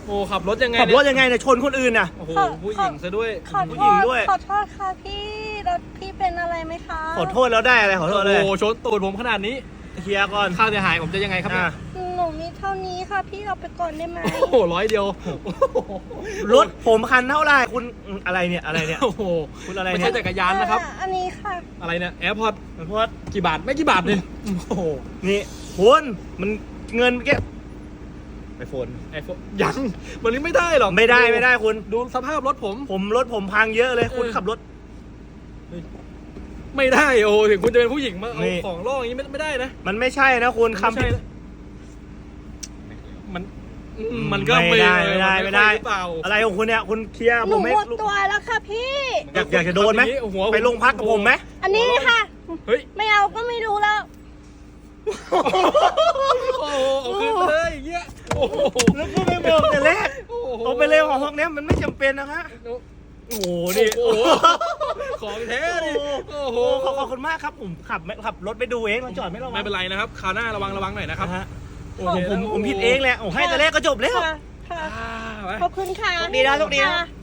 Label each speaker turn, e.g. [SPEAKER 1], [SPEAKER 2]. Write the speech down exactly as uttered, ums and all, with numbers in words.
[SPEAKER 1] โอ้ขับรถยังไง
[SPEAKER 2] ขับรถยังไงเนี่ยชนคนอื่นน่ะ
[SPEAKER 1] โอ้โหผู้หญิงซะด้วย
[SPEAKER 3] ขอ
[SPEAKER 2] ผู้
[SPEAKER 3] โท
[SPEAKER 2] หญิง
[SPEAKER 3] ษ
[SPEAKER 2] ด้วย
[SPEAKER 3] ขอโทษค่ะพี่รถพี่เป็นอะไรไหมคะ
[SPEAKER 2] ขอโทษแล้วได้อะไรขอโทษเลย
[SPEAKER 1] โอ้โหชนตูดผมขนาดนี้
[SPEAKER 2] เคลียร์ก่อน
[SPEAKER 1] ค่าเสียหายผมจะยังไงครับเนี่ย
[SPEAKER 2] อ่ะ
[SPEAKER 3] หนูมีเท่านี้ค่ะพี่เอาไปก่อนได้ไหม
[SPEAKER 1] โอ้โหร้อยเดียว
[SPEAKER 2] รถผมคันเท่าไหร่คุณอะไรเนี่ยอะไรเนี่ย
[SPEAKER 1] โอ้โห
[SPEAKER 2] คุณอะไร
[SPEAKER 1] ไม่
[SPEAKER 2] เนี่
[SPEAKER 1] ใช่
[SPEAKER 2] ย
[SPEAKER 1] จักรยานนะครับ
[SPEAKER 3] อ่าอันนี้ค่ะ
[SPEAKER 1] อะไรเนี่ยแอร์พอร์ต
[SPEAKER 2] เพราะว่า
[SPEAKER 1] กี่บาทไม่กี่บาทเลยโอ้โห
[SPEAKER 2] นี่คุณมันเงินแค่ไอโฟน
[SPEAKER 1] ไอโฟนยังมันนี้ไม่ได้หรอก
[SPEAKER 2] ไม่ได้ไม่ได้คุณ
[SPEAKER 1] ดูสภาพรถผม
[SPEAKER 2] ผมรถผมพังเยอะเลยคุณ
[SPEAKER 1] เออ
[SPEAKER 2] ขับรถ
[SPEAKER 1] ไม่ได้โอ้ถึงคุณจะเป็นผู้หญิงมาเอา
[SPEAKER 2] นี่
[SPEAKER 1] ของล่ออย่างนี้ไม่ไม่ได้นะ
[SPEAKER 2] มันไม่ใช่นะคุณ
[SPEAKER 1] ไม่
[SPEAKER 2] คำ
[SPEAKER 1] ใช่
[SPEAKER 2] ผิด
[SPEAKER 1] นะมันอืมมันก็
[SPEAKER 2] ไม่ได้ไม่ได้
[SPEAKER 1] น
[SPEAKER 2] ไม่ได้
[SPEAKER 1] ค่อยหรือเปล่า
[SPEAKER 2] อะไรของคุณเนี่ยคุณเคลียร์
[SPEAKER 3] ห
[SPEAKER 2] ผ
[SPEAKER 3] นู
[SPEAKER 2] มไม่
[SPEAKER 3] หมดตัวแล้วค่ะพี่
[SPEAKER 2] อยากอยากจะโดนไหม
[SPEAKER 1] ขับอย่างหัว
[SPEAKER 2] ไปโรงพักกับผมไหม
[SPEAKER 3] อันนี้ค่ะ
[SPEAKER 1] เฮ้ย
[SPEAKER 3] ไม่เอาก็ไม่รู้แล้ว
[SPEAKER 1] โอ้โหเอาคืนไปเลยอย่างเงี้ยโอ้โห
[SPEAKER 2] แล้วก็ไม่บอกแต่แรก
[SPEAKER 1] โอ้โห
[SPEAKER 2] เอาไปเลยของพวกเนี้ยมันไม่จำเป็นนะฮะโอ้โหนี่
[SPEAKER 1] โอ้โหของแท้ดิโอ้
[SPEAKER 2] โอ้
[SPEAKER 1] โห
[SPEAKER 2] โหขอบขอบคุณมากครับผมขับไม่ขับรถไปดูเองเราจอดไม่ระวัง
[SPEAKER 1] ไม่เป็นไรนะครับคราวหน้าระวังระวังหน่อยนะครับ
[SPEAKER 2] นะฮะ
[SPEAKER 1] โอ
[SPEAKER 2] ผม
[SPEAKER 1] เค
[SPEAKER 2] ผมผมผิดเองแหละโอ้ให้แต่แรกก็จบแล้ว
[SPEAKER 3] ค่ะค่ะ
[SPEAKER 1] อ่าไป
[SPEAKER 3] ขอบคุณค่ะ
[SPEAKER 2] โชคดีนะโชคดีนะ
[SPEAKER 3] ค่ะ